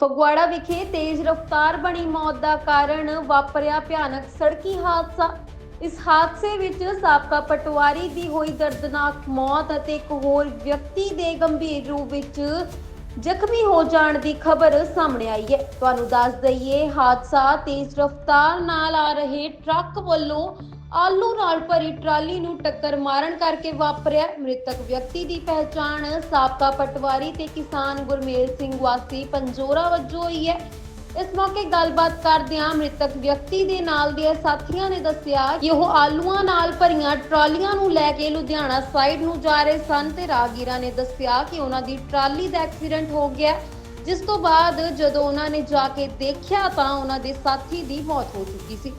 ਫਗਵਾੜਾ ਵਿਖੇ ਤੇਜ਼ ਰਫ਼ਤਾਰ ਬਣੀ ਮੌਤ ਦਾ ਕਾਰਨ ਵਾਪਰਿਆ ਭਿਆਨਕ ਸੜਕੀ ਹਾਦਸਾ। ਇਸ ਹਾਦਸੇ ਵਿੱਚ ਸਾਬਕਾ ਪਟਵਾਰੀ ਦੀ ਹੋਈ ਦਰਦਨਾਕ ਮੌਤ ਅਤੇ ਇੱਕ ਹੋਰ ਵਿਅਕਤੀ ਦੇ ਗੰਭੀਰ ਰੂਪ ਵਿੱਚ ਜ਼ਖਮੀ ਹੋ ਜਾਣ ਦੀ ਖਬਰ ਸਾਹਮਣੇ ਆਈ ਹੈ। ਤੁਹਾਨੂੰ ਦੱਸ ਦਈਏ, ਹਾਦਸਾ ਤੇਜ਼ ਰਫ਼ਤਾਰ ਨਾਲ ਆ ਰਹੇ ਟਰੱਕ ਵੱਲੋਂ ਆਲੂ ਨਾਲ ਭਰੀ ਟਰਾਲੀ ਨੂੰ ਟੱਕਰ ਮਾਰਨ ਕਰਕੇ ਵਾਪਰਿਆ। ਮ੍ਰਿਤਕ ਵਿਅਕਤੀ ਦੀ ਪਹਿਚਾਣ ਸਾਬਕਾ ਪਟਵਾਰੀ ਤੇ ਕਿਸਾਨ ਗੁਰਮੇਲ ਸਿੰਘ ਵਾਸੀ ਪੰਜੋਰਾ ਵਜੋਂ ਹੋਈ ਹੈ। ਇਸ ਮੌਕੇ ਗੱਲਬਾਤ ਕਰਦਿਆਂ ਮ੍ਰਿਤਕ ਵਿਅਕਤੀ ਦੇ ਨਾਲ ਦੇ ਸਾਥੀਆਂ ਨੇ ਦੱਸਿਆ ਕਿ ਉਹ ਆਲੂਆਂ ਨਾਲ ਭਰੀਆਂ ਟਰਾਲੀਆਂ ਨੂੰ ਲੈ ਕੇ ਲੁਧਿਆਣਾ ਸਾਈਡ ਨੂੰ ਜਾ ਰਹੇ ਸਨ ਤੇ ਰਾਹਗੀਰਾਂ ਨੇ ਦੱਸਿਆ ਕਿ ਉਹਨਾਂ ਦੀ ਟਰਾਲੀ ਦਾ ਐਕਸੀਡੈਂਟ ਹੋ ਗਿਆ, ਜਿਸ ਤੋਂ ਬਾਅਦ ਜਦੋਂ ਉਹਨਾਂ ਨੇ ਜਾ ਕੇ ਦੇਖਿਆ ਤਾਂ ਉਹਨਾਂ ਦੇ ਸਾਥੀ ਦੀ ਮੌਤ ਹੋ ਚੁੱਕੀ ਸੀ।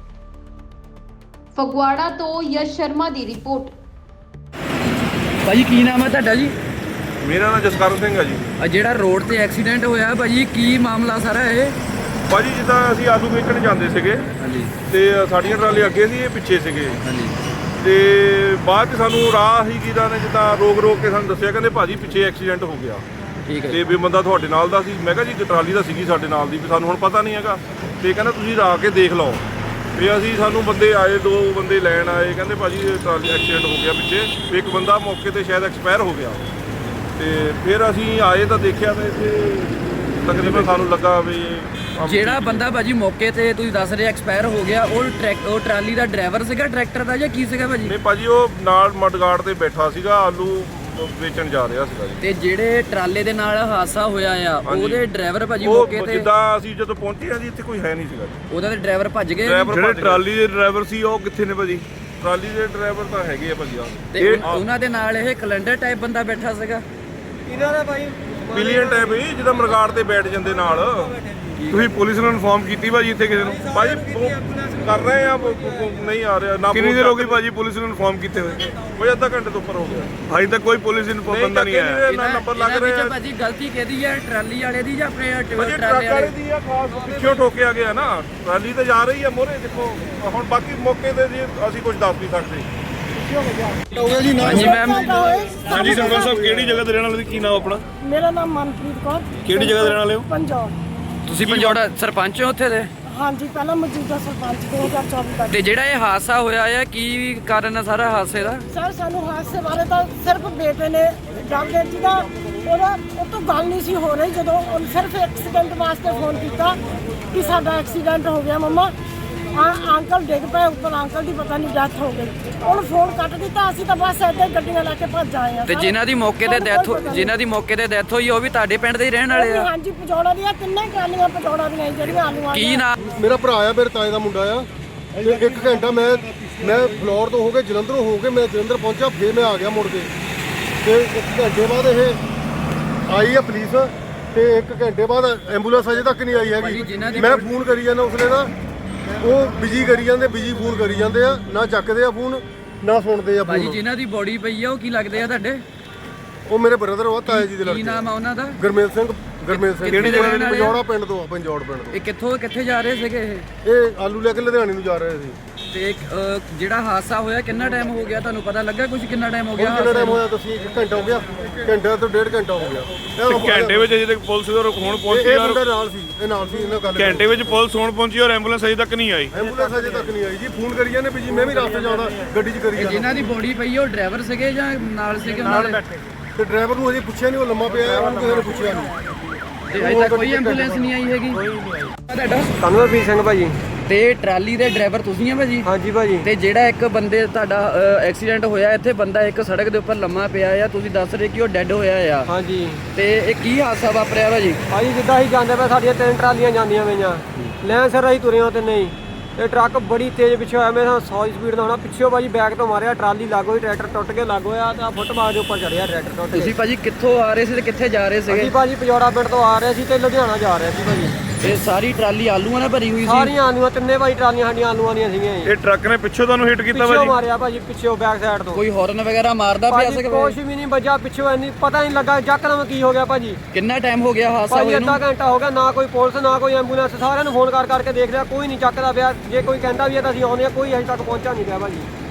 ਫਗਵਾੜਾ ਤੋਂ ਯਸ਼ ਸ਼ਰਮਾ ਦੀ ਰਿਪੋਰਟ। ਭਾਜੀ ਕੀ ਨਾਮ ਹੈ ਤੁਹਾਡਾ ਜੀ? ਮੇਰਾ ਨਾਮ ਜਸਕਰਨ ਸਿੰਘ ਹੈ ਜੀ। ਆ ਜਿਹੜਾ ਰੋਡ ਤੇ ਐਕਸੀਡੈਂਟ ਹੋਇਆ ਭਾਜੀ, ਕੀ ਮਾਮਲਾ ਸਾਰਾ ਇਹ? ਭਾਜੀ ਜਿੱਦਾਂ ਅਸੀਂ ਆਲੂ ਵੇਚਣ ਜਾਂਦੇ ਸੀਗੇ ਹਾਂਜੀ ਤੇ ਸਾਡੀਆਂ ਟਰਾਲੀ ਅੱਗੇ ਸੀ, ਇਹ ਪਿੱਛੇ ਸੀਗੇ ਹਾਂਜੀ। ਤੇ ਬਾਅਦ 'ਚ ਸਾਨੂੰ ਰਾਹ ਹੀ ਕਿਹਦਾ ਨੇ ਜਿੱਦਾਂ ਰੋਕ ਕੇ ਸਾਨੂੰ ਦੱਸਿਆ, ਕਹਿੰਦੇ ਭਾਜੀ ਪਿੱਛੇ ਐਕਸੀਡੈਂਟ ਹੋ ਗਿਆ ਠੀਕ ਹੈ ਤੇ ਵੀ ਬੰਦਾ ਤੁਹਾਡੇ ਨਾਲ ਦਾ ਸੀ। ਮੈਂ ਕਿਹਾ ਜੀ ਟਰਾਲੀ ਦਾ ਸੀਗੀ ਸਾਡੇ ਨਾਲ ਦੀ, ਵੀ ਸਾਨੂੰ ਹੁਣ ਪਤਾ ਨਹੀਂ ਹੈਗਾ। ਤੇ ਕਹਿੰਦਾ ਤੁਸੀਂ ਆ ਕੇ ਦੇਖ ਲਓ। ਵੀ ਅਸੀਂ ਸਾਨੂੰ ਬੰਦੇ ਆਏ, 2 ਬੰਦੇ ਲੈਣ ਆਏ, ਕਹਿੰਦੇ ਭਾਜੀ ਟਰਾਲੀ ਐਕਸੀਡੈਂਟ ਹੋ ਗਿਆ ਪਿੱਛੇ, ਵੀ ਇੱਕ ਬੰਦਾ ਮੌਕੇ ਤੇ ਸ਼ਾਇਦ ਐਕਸਪਾਇਰ ਹੋ ਗਿਆ। ਤੇ ਫਿਰ ਅਸੀਂ ਆਏ ਤਾਂ ਦੇਖਿਆ ਤਾਂ ਇੱਥੇ ਤਕਰੀਬਨ ਸਾਨੂੰ ਲੱਗਾ ਵੀ ਜਿਹੜਾ ਬੰਦਾ ਭਾਜੀ ਮੌਕੇ ਤੇ ਤੁਸੀਂ ਦੱਸ ਰਹੇ ਐਕਸਪਾਇਰ ਹੋ ਗਿਆ, ਉਹ ਟਰਾਲੀ ਦਾ ਡਰਾਈਵਰ ਸੀਗਾ ਟਰੈਕਟਰ ਦਾ ਜਾਂ ਕੀ ਸੀਗਾ ਭਾਜੀ? ਨਹੀਂ ਭਾਜੀ, ਉਹ ਨਾਲ ਮਡਗਾਰਡ ਤੇ ਬੈਠਾ ਸੀਗਾ, ਆਲੂ ਵੇਚਣ ਜਾ ਰਿਹਾ ਸੀਗਾ ਜੀ। ਤੇ ਜਿਹੜੇ ਟਰਾਲੇ ਦੇ ਨਾਲ ਹਾਦਸਾ ਹੋਇਆ ਆ, ਉਹਦੇ ਡਰਾਈਵਰ ਭਾਜੀ ਉਹ ਮੌਕੇ ਤੇ ਜਿੱਦਾਂ ਅਸੀਂ ਜਦੋਂ ਪਹੁੰਚੇ ਆ ਜੀ, ਇੱਥੇ ਕੋਈ ਹੈ ਨਹੀਂ ਸੀਗਾ ਜੀ। ਉਹਦਾ ਤੇ ਡਰਾਈਵਰ ਭੱਜ ਗਏ। ਜਿਹੜੇ ਟਰਾਲੀ ਦੇ ਡਰਾਈਵਰ ਸੀ ਉਹ ਕਿੱਥੇ ਨੇ ਭਾਜੀ? ਟਰਾਲੀ ਦੇ ਡਰਾਈਵਰ ਤਾਂ ਹੈਗੇ ਆ ਭਾਜੀ। ਤੇ ਉਹਨਾਂ ਦੇ ਨਾਲ ਇਹ ਕੈਲੰਡਰ ਟਾਈਪ ਬੰਦਾ ਬੈਠਾ ਸੀਗਾ। ਇਹਨਾਂ ਦਾ ਭਾਈ ਪਿਲੀਅਨ ਟਾਈਪ ਹੀ ਜਿਹਦਾ ਮਰਗਾੜ ਤੇ ਬੈਠ ਜਾਂਦੇ ਨਾਲ। ਤੁਸੀਂ ਪੁਲਿਸ ਨੂੰ ਇਨਫੋਰਮ ਕੀਤੀ ਭਾਜੀ ਇੱਥੇ ਕਿਸੇ ਨੂੰ? ਭਾਜੀ ਕਰ ਰਹੇ ਆ, ਨਹੀਂ ਆ ਰਿਹਾ ਨਾ। ਕਿੰਨੀ ਦੇਰ ਹੋ ਗਈ ਭਾਜੀ ਪੁਲਿਸ ਨੂੰ ਇਨਫੋਰਮ ਕੀਤੇ ਹੋਏ? ਕੋਈ ਅੱਧਾ ਘੰਟੇ ਤੋਂ ਉੱਪਰ ਹੋ ਗਿਆ। ਅਜੇ ਤੱਕ ਕੋਈ ਪੁਲਿਸ ਇਨਫੋਰਮ ਬੰਦਾ ਨਹੀਂ ਆਇਆ। ਇਹਨਾਂ ਨੰਬਰ ਲੱਗ ਰਹੇ ਆ ਭਾਜੀ। ਗਲਤੀ ਕਿਹਦੀ ਹੈ, ਟਰਾਲੀ ਵਾਲੇ ਦੀ ਜਾਂ ਆਪਣੇ ਟਰੱਕ ਟਰਾਲੇ ਵਾਲੇ ਵਾਲੇ ਦੀ ਆ? ਖਾਸ ਪਿੱਛੋਂ ਠੋਕਿਆ ਗਿਆ ਨਾ, ਟਰਾਲੀ ਤੇ ਜਾ ਰਹੀ ਆ ਮੋਰੇ। ਦੇਖੋ ਹੁਣ ਬਾਕੀ ਮੌਕੇ ਤੇ ਜੀ ਅਸੀਂ ਕੁਝ ਦੱਸ ਨਹੀਂ ਸਕਦੇ। ਹਾਂਜੀ ਮੈਮ। ਹਾਂਜੀ ਸਰਪੰਚ ਸਾਹਿਬ, ਕਿਹੜੀ ਜਗ੍ਹਾ ਤੇ ਰਹਿਣ ਵਾਲੇ? ਕੀ ਨਾਮ ਆਪਣਾ? ਮੇਰਾ ਨਾਮ ਮਨਪ੍ਰੀਤ ਕੌਰ। ਕਿਹੜੀ ਜਗ੍ਹਾ ਤੇ ਰਹਿਣ ਵਾਲੇ ਹੋ? ਪੰਜਾਬ। ਤੁਸੀਂ ਪੰਜੋੜਾ ਸਰਪੰਚ ਹੋ ਉੱਥੇ ਦੇ? ਹਾਂਜੀ, ਪਹਿਲਾਂ ਮੌਜੂਦਾ ਸਰਪੰਚ 2024 ਤੱਕ। ਤੇ ਜਿਹੜਾ ਇਹ ਹਾਦਸਾ ਹੋਇਆ ਹੈ, ਕੀ ਕਾਰਨ ਹੈ ਸਾਰਾ ਹਾਦਸੇ ਦਾ? ਸਰ, ਸਾਨੂੰ ਹਾਦਸੇ ਬਾਰੇ ਤਾਂ ਸਿਰਫ ਬੇਟੇ ਨੇ ਡਾਕਟਰ ਜੀ ਦਾ ਉਹ ਤੋਂ ਗੱਲ ਨਹੀਂ ਸੀ ਹੋ ਰਹੀ। ਜਦੋਂ ਉਹਨੇ ਸਿਰਫ ਐਕਸੀਡੈਂਟ ਵਾਸਤੇ ਫੋਨ ਕੀਤਾ ਕਿ ਸਾਡਾ ਐਕਸੀਡੈਂਟ ਹੋ ਗਿਆ ਮੰਮਾ, ਅੰਕਲ ਡਿੱਗ ਪਏ ਉੱਪਰ, ਅੰਕਲ ਦੀ ਪਤਾ ਨਹੀਂ ਡੈਥ ਹੋ ਗਈ। ਉਹਨੂੰ ਫੋਨ ਕੱਟ ਦਿੱਤਾ। ਅਸੀਂ ਤਾਂ ਬਸ ਏਦਾਂ ਹੀ ਗੱਡੀਆਂ ਲੈ ਕੇ ਭੱਜ ਆਏ ਆ। ਤੇ ਜਿਨ੍ਹਾਂ ਦੀ ਮੌਕੇ ਤੇ ਡੈਥ ਹੋਈ, ਉਹ ਵੀ ਤੁਹਾਡੇ ਪਿੰਡ ਦੇ ਹੀ ਰਹਿਣ ਵਾਲੇ ਆ? ਹਾਂਜੀ, ਪਜੌੜਾ ਦੀਆਂ ਤਿੰਨੇ ਟਰਾਲੀਆਂ ਪਜੌੜਾ ਦੀਆਂ ਜਿਹੜੀਆਂ ਆਲੂਆਂ ਕੀ ਨਾਮ? ਮੇਰਾ ਭਰਾ ਆ, ਮੇਰੇ ਤਾਏ ਦਾ ਮੁੰਡਾ ਆ। ਤੇ 1 ਘੰਟਾ ਮੈਂ ਫਲੋਰ ਤੋਂ ਹੋ ਕੇ ਜਲੰਧਰੋਂ ਹੋ ਕੇ ਮੈਂ ਜਲੰਧਰ ਪਹੁੰਚਾ, ਫਿਰ ਮੈਂ ਆ ਗਿਆ ਮੁੜ ਕੇ। ਤੇ 1 ਘੰਟੇ ਬਾਅਦ ਇਹ ਆਈ ਆ ਪੁਲਿਸ, ਤੇ 1 ਘੰਟੇ ਬਾਅਦ ਐਂਬੂਲੈਂਸ ਅਜੇ ਤੱਕ ਨਹੀਂ ਆਈ ਹੈਗੀ। ਮੈਂ ਫੋਨ ਕਰੀ ਜਾਂਦਾ ਉਸਲੇ ਦਾ, ਉਹ ਬਿਜੀ ਕਰੀ ਜਾਂਦੇ, ਬਿਜੀ ਫੋਨ ਕਰੀ ਜਾਂਦੇ ਆ, ਨਾ ਚੱਕਦੇ ਆ ਫੋਨ ਨਾ ਸੁਣਦੇ ਆ ਭਾਜੀ ਫੋਨ। ਜਿਨ੍ਹਾਂ ਦੀ ਬੋਡੀ ਪਈ ਆ, ਉਹ ਕੀ ਲੱਗਦੇ ਆ ਤੁਹਾਡੇ? ਉਹ ਮੇਰੇ ਬ੍ਰਦਰ ਆ, ਤਾਏ ਜੀ ਦੇ ਕੀ ਲੜਕੇ। ਨਾਮ ਆ ਉਹਨਾਂ ਦਾ? ਗੁਰਮੇਲ ਸਿੰਘ। ਕਿਹੜੀ ਜਗ੍ਹਾ ਦੇ? ਪੰਜੌੜਾ ਪਿੰਡ ਤੋਂ ਆ, ਪੰਜੌੜ ਪਿੰਡ ਤੋਂ। ਇਹ ਕਿੱਥੇ ਜਾ ਰਹੇ ਸੀਗੇ ਇਹ? ਇਹ ਆਲੂ ਲੈ ਕੇ ਲੁਧਿਆਣੇ ਨੂੰ ਜਾ ਰਹੇ ਸੀ। ਤੇ ਜਿਹੜਾ ਹਾਦਸਾ ਹੋਇਆ ਕਿੰਨਾ ਟਾਈਮ ਹੋ ਗਿਆ, ਤੁਹਾਨੂੰ ਪਤਾ ਲੱਗਾ ਕੁਝ? ਕਿੰਨਾ ਟਾਈਮ ਹੋ ਗਿਆ? ਕਿੰਨਾ ਟਾਈਮ ਹੋਇਆ ਤੁਸੀਂ? 1 ਘੰਟਾ ਹੋ ਗਿਆ, ਘੰਟਾ ਤੋਂ 1.5 ਘੰਟਾ ਹੋ ਗਿਆ। ਘੰਟੇ ਵਿੱਚ ਅਜੇ ਤੱਕ ਪੁਲਿਸ ਦਾ ਹੁਣ ਪਹੁੰਚੀ ਇਹ ਔਰ ਮੁੰਡਾ ਨਾਲ ਸੀ, ਇਹ ਨਾਲ ਸੀ ਇਹਨਾਂ ਗੱਲ। ਘੰਟੇ ਵਿੱਚ ਪੁਲਿਸ ਹੁਣ ਪਹੁੰਚੀ ਔਰ ਐਂਬੂਲੈਂਸ ਅਜੇ ਤੱਕ ਨਹੀਂ ਆਈ। ਐਂਬੂਲੈਂਸ ਅਜੇ ਤੱਕ ਨਹੀਂ ਆਈ ਜੀ। ਫੋਨ ਕਰੀ ਜਾਂਦੇ ਵੀ ਜੀ, ਮੈਂ ਵੀ ਰਸਤੇ ਜਾਣਾ, ਗੱਡੀ 'ਚ ਕਰੀ ਜਾਂਦਾ। ਜਿਨ੍ਹਾਂ ਦੀ ਬੋਡੀ ਪਈ ਆ, ਉਹ ਡਰਾਈਵਰ ਸੀਗੇ ਜਾਂ ਨਾਲ ਸੀਗੇ ਉਹਨਾਂ ਦੇ? ਤੇ ਡਰਾਈਵਰ ਨੂੰ ਅਜੇ ਪੁੱਛਿਆ ਨਹੀਂ, ਉਹ ਲੰਮਾ ਪਿਆ, ਉਹਨੂੰ ਕਿਸੇ ਨੇ ਪੁੱਛਿਆ ਨਹੀਂ। ਤੇ ਅਜੇ ਤੱਕ ਕੋਈ ਐਂਬੂਲੈਂਸ ਨਹੀਂ ਆਈ ਹੈਗੀ? ਤੁਹਾਡਾ ਕਨਵਰਪ੍ਰੀਤ ਸਿੰਘ ਭਾਜੀ। ਤੇ ਟਰਾਲੀ ਦੇ ਡਰਾਈਵਰ ਤੁਸੀਂ ਆ ਭਾਜੀ? ਹਾਂਜੀ ਭਾਜੀ। ਤੇ ਜਿਹੜਾ ਇੱਕ ਬੰਦੇ ਤੁਹਾਡਾ ਐਕਸੀਡੈਂਟ ਹੋਇਆ, ਇੱਥੇ ਬੰਦਾ ਇੱਕ ਸੜਕ ਦੇ ਉੱਪਰ ਲੰਮਾ ਪਿਆ ਆ, ਤੁਸੀਂ ਦੱਸ ਰਹੇ ਕਿ ਉਹ ਡੈੱਡ ਹੋਇਆ ਆ। ਹਾਂਜੀ ਤੇ ਇਹ ਕੀ ਹਾਦਸਾ ਵਾਪਰਿਆ ਭਾਜੀ? ਭਾਜੀ ਜਿੱਦਾਂ ਅਸੀਂ ਜਾਂਦੇ ਪਏ, ਸਾਡੀਆਂ 3 ਟਰਾਲੀਆਂ ਜਾਂਦੀਆਂ ਪਈਆਂ, ਲੈਣ ਸਰ ਅਸੀਂ ਤੁਰੇ ਹਾਂ ਤੇ ਨਹੀਂ, ਇਹ ਟਰੱਕ ਬੜੀ ਤੇਜ਼ ਪਿੱਛੇ ਹੋਇਆ। ਮੇਰੇ ਨਾਲ 100 ਦੀ ਸਪੀਡ ਦਾ ਹੋਣਾ। ਪਿੱਛੋਂ ਭਾਜੀ ਬੈਕ ਤੋਂ ਮਾਰਿਆ, ਟਰਾਲੀ ਲੱਗ ਹੋਈ, ਟਰੈਕਟਰ ਟੁੱਟ ਕੇ ਲੱਗ ਹੋਇਆ ਤਾਂ ਫੁੱਟਬਾਲ ਦੇ ਉੱਪਰ ਚੜਿਆ ਟਰੈਕਟਰ ਟੁੱਟ ਕੇ। ਤੁਸੀਂ ਭਾਜੀ ਕਿੱਥੋਂ ਆ ਰਹੇ ਸੀ ਤੇ ਕਿੱਥੇ ਜਾ ਰਹੇ ਸੀਗੇ? ਅਸੀਂ ਭਾਜੀ ਪਜੌੜਾ ਪਿੰਡ ਤੋਂ ਆ ਰਹੇ ਸੀ ਤੇ ਲੁਧਿਆਣਾ ਜਾ ਰਹੇ ਸੀ ਭਾਜੀ। ਇਹ ਸਾਰੀ ਟਰਾਲੀ ਆਲੂਆਂ ਨਾਲ ਭਰੀ ਹੋਈ ਸੀ? ਸਾਰੀਆਂ ਆਲੂਆਂ, ਤਿੰਨੇ ਭਾਜੀ ਟਰਾਲੀਆਂ ਸਾਡੀਆਂ ਆਲੂਆਂ ਦੀਆਂ ਸੀਗੀਆਂ ਜੀ। ਇਹ ਟਰੱਕ ਨੇ ਪਿੱਛੋਂ ਤੁਹਾਨੂੰ ਹਿੱਟ ਕੀਤਾ ਪਿੱਛੋਂ ਭਾਜੀ? ਮਾਰਿਆ ਭਾਜੀ, ਪਿੱਛੋਂ ਬੈਕ ਸਾਈਡ ਤੋਂ। ਕੋਈ ਹਾਰਨ ਵਗੈਰਾ ਮਾਰਦਾ ਪਿਆ ਭਾਜੀ ਸੀਗਾ? ਕੁਛ ਵੀ ਨਹੀਂ ਵੱਜਾ ਪਿੱਛੋਂ, ਇੰਨੀ ਪਤਾ ਨਹੀਂ ਲੱਗਾ ਯਕਦਮ ਕੀ ਹੋ ਗਿਆ ਭਾਜੀ। ਕਿੰਨਾ ਟਾਈਮ ਹੋ ਗਿਆ ਹਾਦਸਾ ਭਾਜੀ ਹੋਇਆ ਨੂੰ? ਅੱਧਾ ਘੰਟਾ ਹੋ ਗਿਆ, ਨਾ ਕੋਈ ਪੁਲਿਸ ਨਾ ਕੋਈ ਐਂਬੂਲੈਂਸ। ਸਾਰਿਆਂ ਨੂੰ ਫੋਨ ਕਰਕੇ ਦੇਖ ਲਿਆ, ਕੋਈ ਨਹੀਂ ਚੱਕਦਾ ਪਿਆ। ਜੇ ਕੋਈ ਕਹਿੰਦਾ ਵੀ ਹੈ ਤਾਂ ਅਸੀਂ ਆਉਂਦੇ ਹਾਂ, ਕੋਈ ਅਜੇ ਤੱਕ ਪਹੁੰਚਾ ਨਹੀਂ ਪਿਆ ਭਾਜੀ।